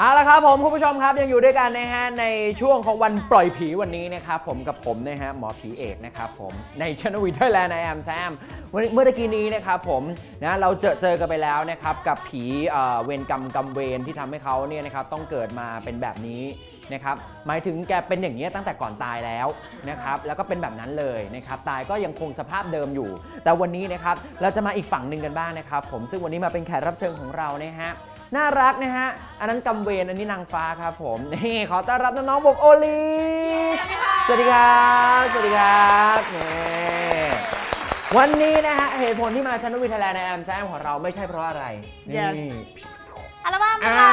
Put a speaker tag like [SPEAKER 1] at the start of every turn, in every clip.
[SPEAKER 1] เอาละครับผมคุณผู้ชมครับยังอยู่ด้วยกันนะฮะในช่วงของวันปล่อยผีวันนี้นะครับผมกับผมนะฮะหมอผีเอกนะครับผมในชนวิทย์ไทยแลนด์ในแอมแซมเมื่อตะกี้นี้นะครับผมนะเราเจอกันไปแล้วนะครับกับผีเวรกรรมเวรที่ทำให้เขาเนี่ยนะครับต้องเกิดมาเป็นแบบนี้นะครับหมายถึงแกเป็นอย่างนี้ตั้งแต่ก่อนตายแล้วนะครับแล้วก็เป็นแบบนั้นเลยนะครับตายก็ยังคงสภาพเดิมอยู่แต่วันนี้นะครับเราจะมาอีกฝั่งหนึ่งกันบ้างนะครับผมซึ่งวันนี้มาเป็นแขกรับเชิญของเรานะฮะน่ารักนะฮะอันนั้นกำเวรอันนี้นางฟ้าครับผมนี่ขอต้อนรับน้องๆวงโอลีฟสวัสดีครับสวัสดีครับนี่วันนี้นะฮะเหตุผลที่มาชนวิทย์ไทยแลนด์ในแอมแซมของเราไม่ใช่เพราะอะไรนี่
[SPEAKER 2] อัลบั้มค่ะ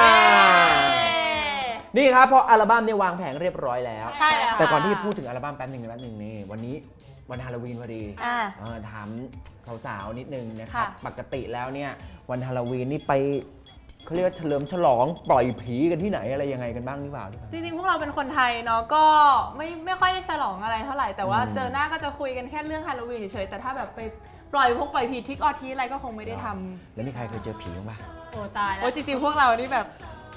[SPEAKER 1] นี่ครับเพราะอัลบั้มเนี่ยวางแผงเรียบร้อยแล้ว
[SPEAKER 2] ใช่แล้ว
[SPEAKER 1] แต่ก่อนที่จะพูดถึงอัลบั้มแป๊บหนึ่งนี่วันนี้วันฮาโลวีนพอดีถามสาวๆนิดนึงนะครับปกติแล้วเนี่ยวันฮาโลวีนนี่ไปเขาเรียกว่าเฉลิมฉลองปล่อยผีกันที่ไหนอะไรยังไงกันบ้างหรือเปล่า
[SPEAKER 2] จริงๆพวกเราเป็นคนไทยเนาะก็ไม่ค่อยได้ฉลองอะไรเท่าไหร่แต่ว่าเจอหน้าก็จะคุยกันแค่เรื่องฮาโลวีนเฉยๆแต่ถ้าแบบไปปล่อยผีทิกออทีอะไรก็คงไม่ได้ทำ
[SPEAKER 1] แล้วมีใครเคยเจอผีบ้าง
[SPEAKER 2] โอ้ตายแล้วจริงๆพวกเรานี่แบบ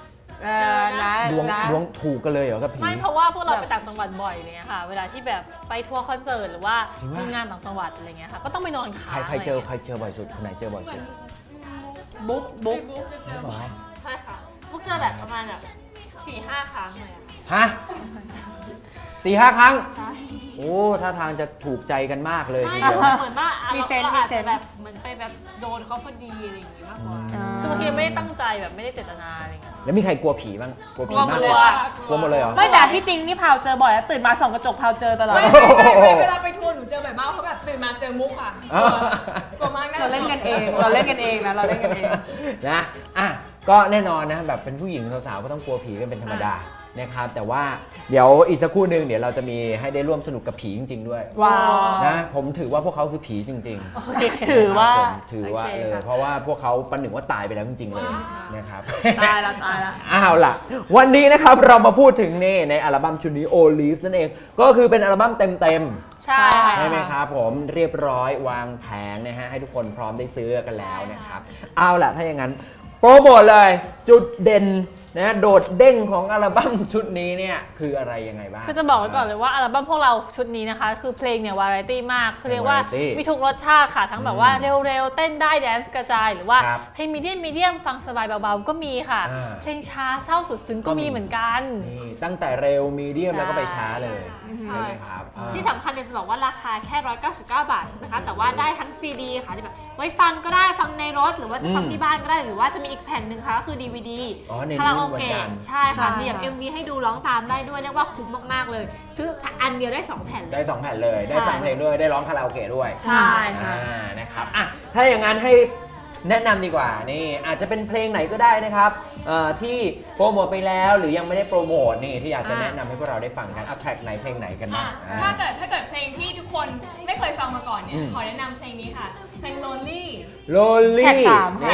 [SPEAKER 1] ดวงถูกกันเลยเหรอกับผี
[SPEAKER 3] ไม่เพราะว่าพวกเราไปต่างจังหวัดบ่อยเลยค่ะเวลาที่แบบไปทัวร์คอนเสิร์ตหรือว่ามีงานต่างจังหวัดอะไรเงี้ยค่ะก็ต้องไปนอนค้าง
[SPEAKER 1] ใครเจอบ่อยสุดคนไหนเจอบ่อยสุด
[SPEAKER 2] บุ๊ก
[SPEAKER 3] ใช่ค่ะพวกเจอแบบประมาณแบบ4-5 ครั้งเลย
[SPEAKER 1] ฮะ4-5 ครั้งโอ้ท่าทางจะถูกใจกันมากเลยทีเดียว
[SPEAKER 3] เหมือนว่ามีเซนแบบเหมือนไปแบบโดนเขาพอดีอะไรอย่างงี้มากกว่าคือบางทีไม่ได้ตั้งใจแบบไม่ได้เจตนาอะไรเงี้ย
[SPEAKER 1] แล้วมีใครกลัวผีบ้างกลัวผีมากเลยกลัวหมดเลยเหรอ
[SPEAKER 2] ไม่แต่ที่จริงนี่พาวเจอบ่อยแล้วตื่นมาส่องกระจกพาวเจอตลอด
[SPEAKER 4] เวลาไปทัวร์หนูเจอบ่อยมากเพราะแบบตื่นมาเจอมุกอ่ะกลัวมาก
[SPEAKER 2] เราเล่นกันเองนะเราเล่นกันเอง
[SPEAKER 1] นะก็แน่นอนนะแบบเป็นผู้หญิงสาวๆก็ต้องกลัวผีกันเป็นธรรมดานะครับแต่ว่าเดี๋ยวอีกสักครู่หนึ่งเดี๋ยวเราจะมีให้ได้ร่วมสนุกกับผีจริงๆด้วย
[SPEAKER 2] ว้าว
[SPEAKER 1] นะผมถือว่าพวกเขาคือผีจริง
[SPEAKER 2] ๆถือว่า
[SPEAKER 1] เลยเพราะว่าพวกเขาประหนึ่งว่าตายไปแล้วจริงๆเลยนะครับ
[SPEAKER 2] ตายแล้ว
[SPEAKER 1] อ้าวล่ะวันนี้นะครับเรามาพูดถึงนี่ในอัลบั้มชุดนี้ Olive นั่นเองก็คือเป็นอัลบั้มเต็ม
[SPEAKER 2] ใช่
[SPEAKER 1] ไหมครับผมเรียบร้อยวางแผงนะฮะให้ทุกคนพร้อมได้ซื้อกันแล้วนะครับเอาล่ะถ้าอย่างนั้นโปรโมทเลยจุดเด่นนะโดดเด้งของอัลบั้มชุดนี้เนี่ยคืออะไรยังไงบ้าง
[SPEAKER 3] คือจะบอกไว้ก่อนเลยว่าอัลบั้มพวกเราชุดนี้นะคะคือเพลงเนี่ยวาไรตี้มากคือเรียกว่ามีทุกรสชาติค่ะทั้งแบบว่าเร็วๆเต้นได้แดนซ์กระจายหรือว่าเพลงมีเดียมฟังสบายเบาๆก็มีค่ะเพลงช้าเศร้าสุดซึ้งก็มีเหมือนกัน
[SPEAKER 1] ตั้งแต่เร็วมีเดียมแล้วก็ไปช้าเลยใช่ไหมครับ
[SPEAKER 3] ที่สำคัญเนี่ยจะบอกว่าราคาแค่199 บาทใช่ไหมคะแต่ว่าได้ทั้งซีดีค่ะที่แบบไว้ฟังก็ได้ฟังในรถหรือว่าจะฟังที่บ้านก็ได้หรือว่าจะมีอีกแผ่นหนึ่งค่ะก็คือ DVD คาราโอเกะใช่ค่ะมีแบบ MV ให้ดูร้องตามได้ด้วยเรียกว่าคุ้มมากๆเลยซื้ออันเดียวได้2 แผ่น
[SPEAKER 1] ได้2 แผ่นเลยได้ฟังเพลงด้วยได้ร้องคาราโอเกะด้วย
[SPEAKER 2] ใช่ค่ะ
[SPEAKER 1] นะครับถ้าอย่างนั้นให้แนะนำดีกว่านี่อาจจะเป็นเพลงไหนก็ได้นะครับที่โปรโมทไปแล้วหรือยังไม่ได้โปรโมทนี่ที่อยากจะแนะนำให้พวกเราได้ฟังกันแทร็กไหนเพลงไหนกันบ้าง
[SPEAKER 4] ถ้าเกิดเพลงที่ทุกคนไม่เคยฟังมาก่อนเนี่ยขอแนะนำเพลงนี้ค่ะเพลง Lonely
[SPEAKER 1] แท็ก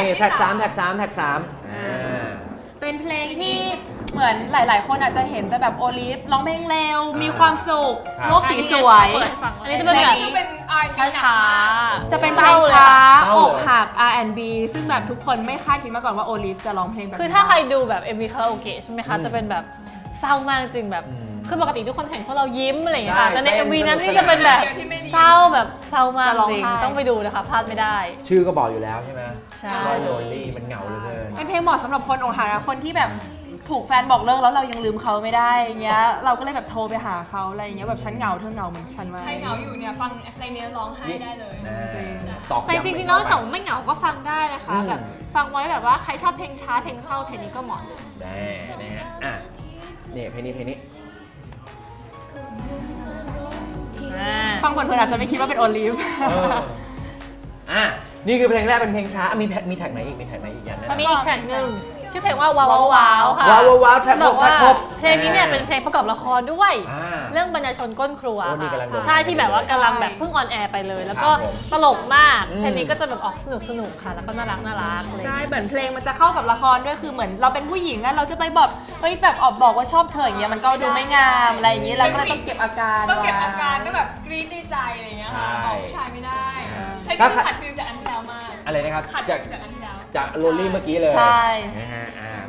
[SPEAKER 1] 3
[SPEAKER 2] เป็นเพลงที่เหมือนหลายๆคนอาจจะเห็นแต่แบบโอลิฟร้องเพลงเร็วมีความสุขโลกสีสวย
[SPEAKER 3] อันนี้จะเป็นแบบ
[SPEAKER 2] ช้าจะเป็นเพลงช้าอกหัก R&B ซึ่งแบบทุกคนไม่คาดคิดมาก่อนว่าโอลิฟจะร้องเพลงแบบ
[SPEAKER 3] คือถ้าใครดูแบบ MV คาราโอเกะใช่ไหมคะจะเป็นแบบเศร้ามากจริงแบบคือปกติทุกคนเห็นพวกเรายิ้มอะไรอย่างเงี้ยค่ะแต่ใน MV นั้นนี่จะเป็นแบบเศร้ามากจริงต้องไปดูนะคะพลาดไม่ได้
[SPEAKER 1] ชื่อก็บอกอยู่แล้วใช่ไหมว่าโลลี่มันเหงาเลย
[SPEAKER 2] เป็นเพลงเหมาะสำหรับคนอกหักนะคนที่แบบถูกแฟนบอกเลิกแล้วเรายังลืมเขาไม่ได้เงี้ยเราก็เลยแบบโทรไปหาเขาอะไรเงี้ยแบบฉันเหงาเธอเหงาเหมือนฉันไหม
[SPEAKER 4] ใครเหงาอยู่เนี่ยฟังเพลงนี้ร้องไห้ได้เลย
[SPEAKER 3] แต่จริงๆแล้วแต่ไม่เหงาก็ฟังได้นะคะแบบฟังไว้แบบว่าใครชอบเพลงช้าเพลงเศร้าเพลงนี้ก็เหมาะเลย
[SPEAKER 1] นะฮะนี่เพลงนี้
[SPEAKER 2] ฟังเพลินๆอาจจะไม่คิดว่าเป็นโอลิฟ
[SPEAKER 1] นี่คือเพลงแรกเป็นเพลงช้ามีแท็กไหนอีกอย่างนั้น
[SPEAKER 3] มีอีกแท็กหนึ่งชื่อเพลงว่าว้าวค่ะ
[SPEAKER 1] ว้าวแท็กครบ
[SPEAKER 3] เพลงนี้เนี่ยเป็นเพลงประกอบละครด้วยเรื่องบรรยายชนก้นครัวใช่ที่แบบว่ากำลังแบบเพิ่งออนแอร์ไปเลยแล้วก็ตลกมากเพลงนี้ก็จะแบบออกสนุกค่ะแล้วก็น่ารัก
[SPEAKER 2] ใช่เหมือนเพลงมันจะเข้ากับละครด้วยคือเหมือนเราเป็นผู้หญิงอะเราจะไปแบบบอกว่าชอบเธออย่างเงี้ยมันก็ดูไม่งามอะไรอย่างงี้เราก็เลยต้องเก็บอาการ
[SPEAKER 4] ก็แบบกรี๊ดในใจอะไรเงี้ยค่ะบอกผู้ชายไม่ได้เพลงนี้ขัดฟิลจากอันที่แล้วมาก
[SPEAKER 1] อะไรนะครับ
[SPEAKER 4] ขัดฟิลจากอันที่แล้ว
[SPEAKER 1] จากโรลลี่เมื่อกี้เลย
[SPEAKER 2] ใช่
[SPEAKER 1] นะฮะ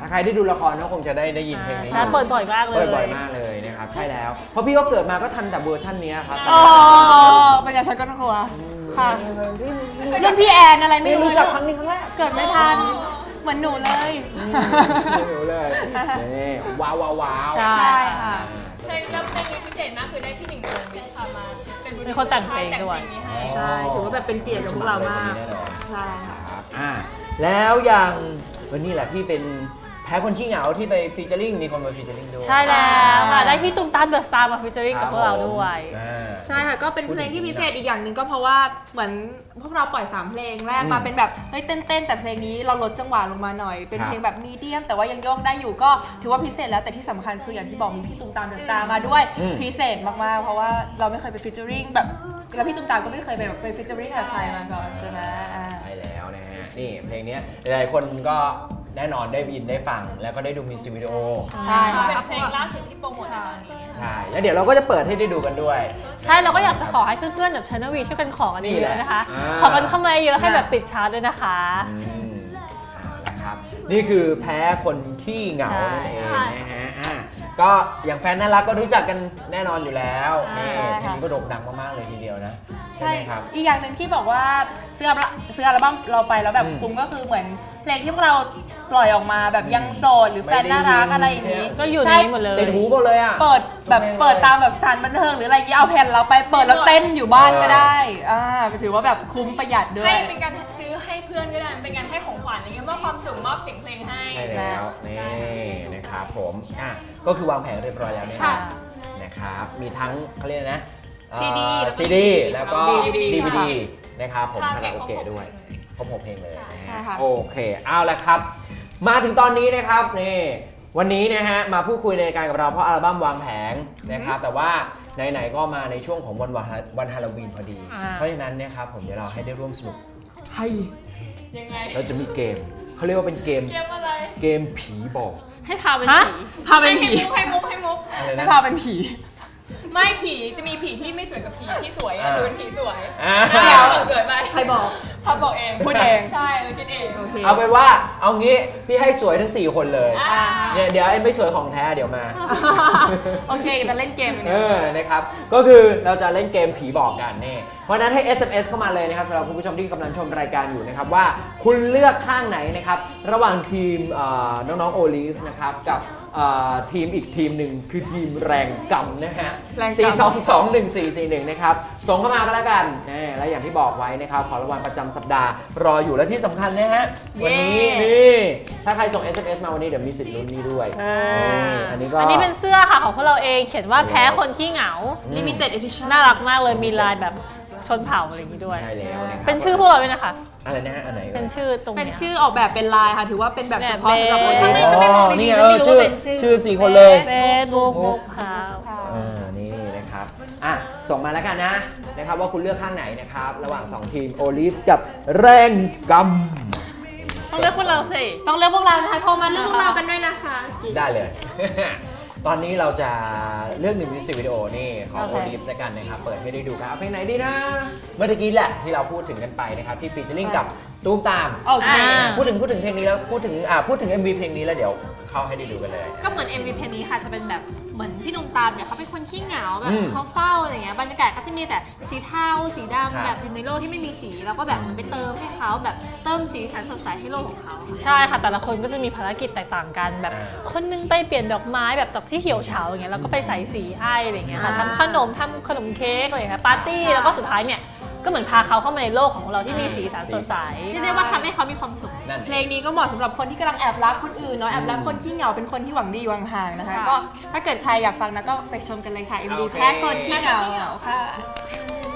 [SPEAKER 1] ถ้าใครได้ดูละครก็คงจะได้ยินเพลงนี้
[SPEAKER 3] ใช่เปิดบ่อยมากเลย
[SPEAKER 1] เปิดบ่อยมากเลยนะครับใช่แล้วเพราะพี่ก็เกิดมาก็ทันแต่เวอร์ชันนี้ครับ
[SPEAKER 2] อ๋อปัญญาชนก็ต้องกลัวค่ะรุ่นพี่แอนอะไรไม่
[SPEAKER 1] ไม่
[SPEAKER 2] รู้
[SPEAKER 1] รู้จักครั้งนี้ครั้งแรก
[SPEAKER 2] เกิดไม่ทันเหมือนหนูเลย
[SPEAKER 1] ไม่รู้เลยนี่ว้าวว้าว
[SPEAKER 2] ใช่ค่ะ
[SPEAKER 4] เพลงนี้พิเศษมากคือได้พี่หนิงโดนวิชามา
[SPEAKER 3] เป็นคนแต่งเพลงด้วย
[SPEAKER 4] นี้ให้
[SPEAKER 2] ใช่ถือว่าแบบเป็นเกียรติกับพวกเรามาก
[SPEAKER 1] แน่นอน
[SPEAKER 2] ใช่ค่ะ
[SPEAKER 1] ครับแล้วอย่างวันนี้แหละพี่เป็นแพ้คนขี้เหงาที่ไปฟีเจอริ่งมีคนมาฟีเจอริ่งด้วย
[SPEAKER 3] ใช่แล้วค่ะได้พี่ตุ้มตามเดอะสตาร์มาฟีเจอริ่งกับพวกเราด้วย
[SPEAKER 2] ใช่ค่ะก็เป็นเพลงที่พิเศษอีกอย่างหนึ่งก็เพราะว่าเหมือนพวกเราปล่อย3เพลงแรกมาเป็นแบบเฮ้ยเต้นแต่เพลงนี้เราลดจังหวะลงมาหน่อยเป็นเพลงแบบมีเดียมแต่ว่ายังโยกได้อยู่ก็ถือว่าพิเศษแล้วแต่ที่สำคัญคืออย่างที่บอกมีพี่ตุ้มตามเดอะสตาร์มาด้วยพิเศษมากๆเพราะว่าเราไม่เคยไปฟีเจอริ่งแบบแล้วพี่ตุ้มตามก็ไม่เคยไปฟีเจอริ่งกับใครมาก่อนใช่ไหม
[SPEAKER 1] ใช่แล้วนะฮะนี่เพลงนี้หลายๆคนก็แน่นอนได้ยินได้ฟังแล้วก็ได้ดูมิวสิกวิดีโอ
[SPEAKER 2] ใช่
[SPEAKER 4] เป็นเพลงล่าสุดที่โปรโมทในตอนนี้
[SPEAKER 1] ใช่แล้วเดี๋ยวเราก็จะเปิดให้ได้ดูกันด้วย
[SPEAKER 3] ใช่เราก็อยากจะขอให้เพื่อนๆแบบ Channel V ช่วยกันขอกันเยอะๆนะคะ
[SPEAKER 1] นี่แหละ
[SPEAKER 3] ขอกันเข้ามาเยอะให้แบบติดชาร์ตด้วยนะคะ
[SPEAKER 1] นะครับนี่คือแพ้คนขี้เหงานั่นเอง
[SPEAKER 3] ใช่
[SPEAKER 1] นะฮะก็อย่างแฟนน่ารักก็รู้จักกันแน่นอนอยู่แล้วนี่เพลงนี้ก็โด่งดังมากๆเลยทีเดียวนะใช่ไหมครับ
[SPEAKER 2] อีกอย่างหนึ่งที่บอกว่าซื้ออัลบั้มเราไปแล้วแบบคุ้มก็คือเหมือนเพลงที่พวกเราปล่อยออกมาแบบยังโสดหรือแฟนน่ารักอะไรอย่างนี้
[SPEAKER 3] ก็อยู่ในนี้หมดเลย
[SPEAKER 1] ติดหูหมดเลยอ่ะ
[SPEAKER 2] เปิดตามแบบสถานบันเทิงหรืออะไรอย่างนี้เอาแผ่นเราไปเปิดแล้วเต้นอยู่บ้านก็ได้ถือว่าแบบคุ้มประหยัดด้วย
[SPEAKER 4] ให้เป็นการซื้อให้เพื่อนก็ได้เป็นการให้ของขวัญอะไรเงี้ยมอบความสุขมอบเสียงเพลงให้
[SPEAKER 1] ใช่แล้วนี่นะครับผมก็คือวางแผนเรียบร้อยแล้วเนี่ยนะครับมีทั้งเขาเรียกนะ CD แล้วก็ DVD นะครับผมคาราโอเกะด้วยครบ6เพลงเลยนะฮะโอเคเอาละครับมาถึงตอนนี้นะครับนี่วันนี้นะฮะมาพูดคุยในรายการกับเราเพราะอัลบั้มวางแผงนะครับแต่ว่าไหนๆก็มาในช่วงของวันฮาโลวีนพอดีเพราะฉะนั้นนะครับผมเดี๋ยวเราให้ได้ร่วมสนุกให้
[SPEAKER 4] ยังไง
[SPEAKER 1] เราจะมีเกมเขาเรียกว่าเป็นเกม
[SPEAKER 4] เกมอะไร
[SPEAKER 1] เกมผีบอก
[SPEAKER 3] ให้พาเป็นผี
[SPEAKER 2] พาเป็นผี
[SPEAKER 4] ให้มุก
[SPEAKER 1] อะไร
[SPEAKER 2] ให้
[SPEAKER 1] นะ
[SPEAKER 2] พาเป็นผี
[SPEAKER 4] ไม่ผีจะมีผีที่ไม่สวยกับผีที่สวยหนูเป็นผีสวย
[SPEAKER 2] เดี๋ยว
[SPEAKER 4] สวยไป
[SPEAKER 2] ใครบอก
[SPEAKER 4] พับบอกเอง
[SPEAKER 2] พูดเอง
[SPEAKER 4] ใช่เราคิดเอง
[SPEAKER 2] โอเค
[SPEAKER 1] เอาเป็นว่าเอางี้พี่ให้สวยทั้ง4คนเลย
[SPEAKER 4] อ่า
[SPEAKER 1] เนี่ยเดี๋ยวไอ้ไม่สวยของแท้เดี๋ยวมา
[SPEAKER 2] โอเคมาเล่นเกมกัน
[SPEAKER 1] นะครับก็คือเราจะเล่นเกมผีบอกกันนี่เพราะฉะนั้นให้ SMS เข้ามาเลยนะครับสำหรับคุณผู้ชมที่กำลังชมรายการอยู่นะครับว่าคุณเลือกข้างไหนนะครับระหว่างทีมน้องๆโอลิฟนะครับกับทีมอีกทีมหนึ่งคือทีมแรงกำนะฮะ4221441นะครับส่งเข้ามาก็แล้วกันและอย่างที่บอกไว้นะครับของรางวัลประจำสัปดาห์รออยู่และที่สำคัญนะฮะวันนี้นี่ถ้าใครส่ง SMS มาวันนี้เดี๋ยวมีสิทธิ์ลุ้นนี้ด้วยอันนี้
[SPEAKER 3] เป็นเสื้อค่ะของพวกเราเองเขียนว่าแพ้คนขี้เหงา
[SPEAKER 2] Limited Edition
[SPEAKER 3] น่ารักมากเลยมีลายแบบชนเผ่าอะไรอย่างนี้ด้วย
[SPEAKER 1] ใช่แล้วนะครับ
[SPEAKER 3] เป็นชื่อพวกเราด้วยนะคะ
[SPEAKER 1] อะไรนะฮะอันไหน
[SPEAKER 3] เป็นชื่อตรง
[SPEAKER 2] เป็น
[SPEAKER 3] เนี้ย
[SPEAKER 2] ชื่อออกแบบเป็นลายค่ะถือว่าเป็นแบบเฉพาะสำหรับคน
[SPEAKER 3] แบบ
[SPEAKER 2] ที่
[SPEAKER 3] ถ้าไม่มองดีๆก็ไม่รู้ว่าเป็นชื่อ
[SPEAKER 1] 4 คนเลย
[SPEAKER 3] เฟซบุ๊กค่ะ
[SPEAKER 1] นี่นะครับส่งมาแล้วกันนะครับว่าคุณเลือกข้างไหนนะครับระหว่าง2ทีมโอลิฟกับแรงกำ
[SPEAKER 3] ต้องเลือกพวกเราสิ
[SPEAKER 2] ต้องเลือกพวกเรานะคะโทรมาเลือกพวกเรากันด้วยนะคะ
[SPEAKER 1] ได้เลย ตอนนี้เราจะเลือก1มิวสิกวิดีโอนี่ของโอลิฟแล้วกันนะครับเปิดให้ได้ดูกันเอาเพลงไหนดีนะเมื่อกี้แหละที่เราพูดถึงกันไปนะครับที่ฟีเจอริ่งกับตูมตาม
[SPEAKER 2] โอเค
[SPEAKER 1] พูดถึงเพลงนี้แล้วพูดถึง MV เพลงนี้แล้วเดี๋ยวเข้าให้ได้ดูกันเลย
[SPEAKER 3] ก็เหมือน MV เพลงนี้ค่ะจะเป็นแบบเหมือนพี่ตุ้มตามเนี่ยเขาเป็นคนขี้เหงาแบบ
[SPEAKER 1] อืม
[SPEAKER 3] เขาเศร้าอะไรเงี้ยบรรยากาศเขาจะมีแต่สีเทาสีดำ
[SPEAKER 1] ครับ
[SPEAKER 3] แบบอยู่ในโลกที่ไม่มีสีแล้วก็แบบเหมือนไปเติมให้เขาแบบเติมสีสันสดใสให้โลกของเขาใช่ค่ะแต่ละคนก็จะมีภารกิจแตกต่างกันแบบคนนึงไปเปลี่ยนดอกไม้แบบดอกที่เหี่ยวเฉาอย่างเงี้ยแล้วก็ไปใส่สีให้อะไรเงี้ยค่ะทำขนมเค้กอะไรเงี้ยปาร์ตี้แล้วก็สุดท้ายเนี่ยก็เหมือนพาเขาเข้ามาในโลกของเราที่มีสีสันสดใสที่เรียกว่าทำให้เขามีความสุข
[SPEAKER 1] นั่น
[SPEAKER 2] เพลงนี้ก็เหมาะสำหรับคนที่กำลังแอบรักคนอื่นเนาะแอบรักคนที่เหงาเป็นคนที่หวังดีหวังห่างนะคะก็ถ้าเกิดใครอยากฟังนะก็ไปชมกันเลยค่ะ MV แพ้คนที่เหงาค่ะ